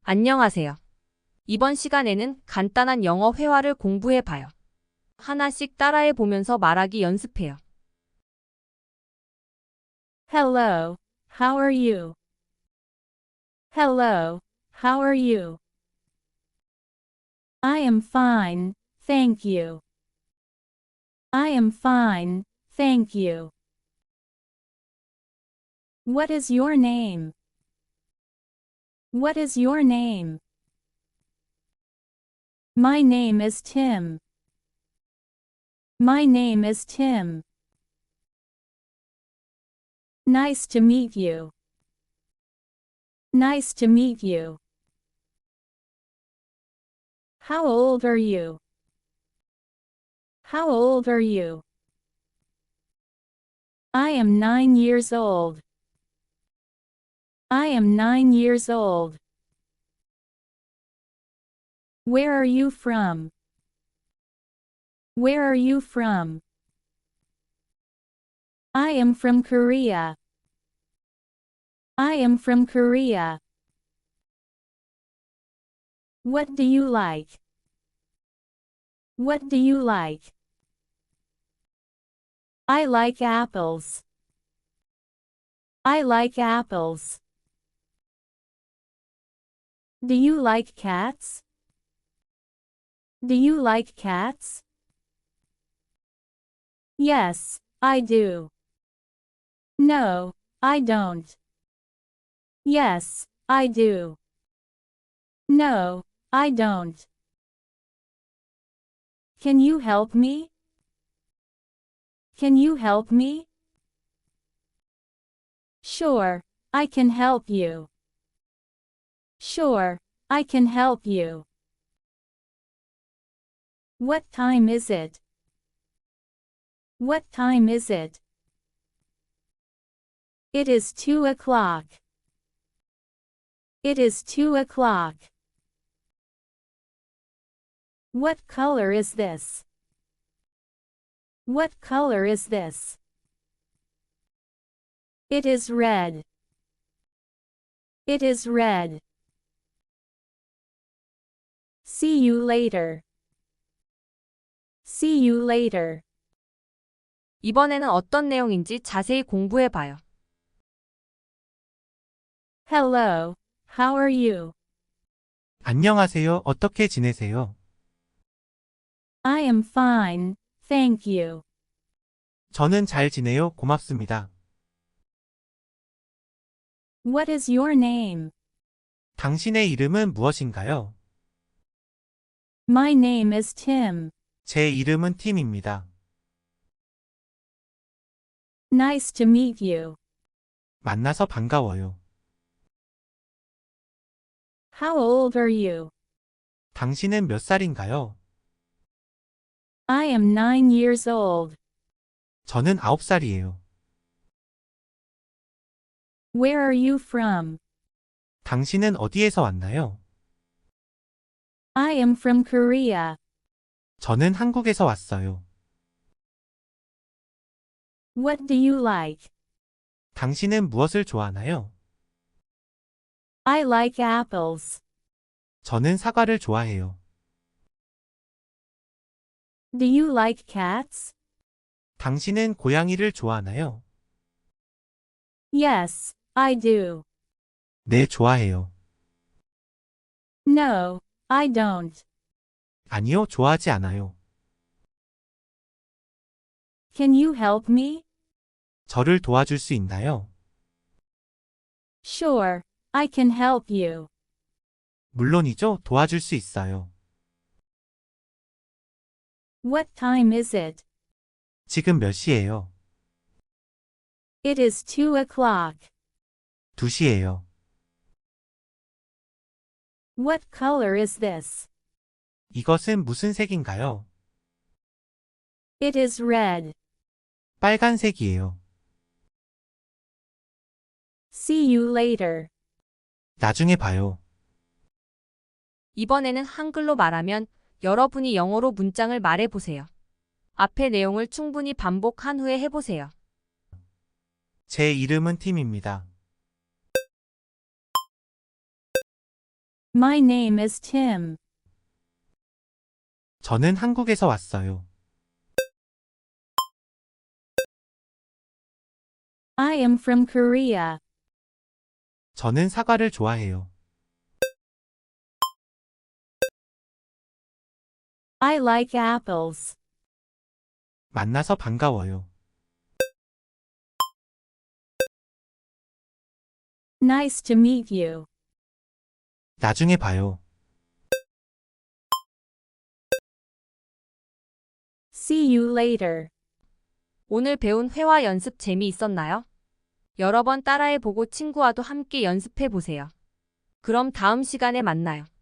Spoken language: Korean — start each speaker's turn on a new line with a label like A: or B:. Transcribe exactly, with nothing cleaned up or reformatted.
A: 안녕하세요. 이번 시간에는 간단한 영어 회화를 공부해 봐요. 하나씩 따라해 보면서 말하기 연습해요.
B: Hello, how are you? Hello, how are you? I am fine, thank you. I am fine, thank you. What is your name? What is your name? My name is Tim. My name is Tim. Nice to meet you. Nice to meet you. How old are you? How old are you? I am nine years old. I am nine years old. Where are you from? Where are you from? I am from Korea. I am from Korea. What do you like? What do you like? I like apples. I like apples. Do you like cats? Do you like cats? Yes, I do. No, I don't. Yes, I do. No, I don't. Can you help me? Can you help me? Sure, I can help you. Sure, I can help you. What time is it? What time is it? It is two o'clock. It is two o'clock. What color is this? What color is this? It is red. It is red. See you later. See you later.
A: 이번에는 어떤 내용인지 자세히 공부해 봐요.
B: Hello, how are you?
C: 안녕하세요. 어떻게 지내세요?
B: I am fine, thank you.
C: 저는 잘 지내요. 고맙습니다.
B: What is your name?
C: 당신의 이름은 무엇인가요?
B: My name is Tim.
C: 제 이름은 팀입니다.
B: Nice to meet you.
C: 만나서 반가워요.
B: How old are you?
C: 당신은 몇 살인가요?
B: I am nine years old.
C: 저는 아홉 살이에요.
B: Where are you from?
C: 당신은 어디에서 왔나요?
B: I am from Korea.
C: 저는 한국에서 왔어요.
B: What do you like?
C: 당신은 무엇을 좋아하나요?
B: I like apples.
C: 저는 사과를 좋아해요.
B: Do you like cats?
C: 당신은 고양이를 좋아하나요?
B: Yes, I do.
C: 네, 좋아해요.
B: No, I don't.
C: 아니요, 좋아하지 않아요.
B: Can you help me?
C: 저를 도와줄 수 있나요?
B: Sure, I can help you.
C: 물론이죠, 도와줄 수 있어요.
B: What time is it?
C: 지금 몇 시예요?
B: It is two o'clock.
C: 두 시예요.
B: What color is this?
C: 이것은 무슨 색인가요?
B: It is red.
C: 빨간색이에요.
B: See you later.
C: 나중에 봐요.
A: 이번에는 한글로 말하면 여러분이 영어로 문장을 말해 보세요. 앞의 내용을 충분히 반복한 후에 해보세요.
C: 제 이름은 팀입니다.
B: My name is Tim.
C: 저는 한국에서 왔어요.
B: I am from Korea.
C: 저는 사과를 좋아해요.
B: I like apples.
C: 만나서 반가워요.
B: Nice to meet you.
C: 나중에 봐요.
B: See you later.
A: 오늘 배운 회화 연습 재미있었나요? 여러 번 따라해보고 친구와도 함께 연습해보세요. 그럼 다음 시간에 만나요.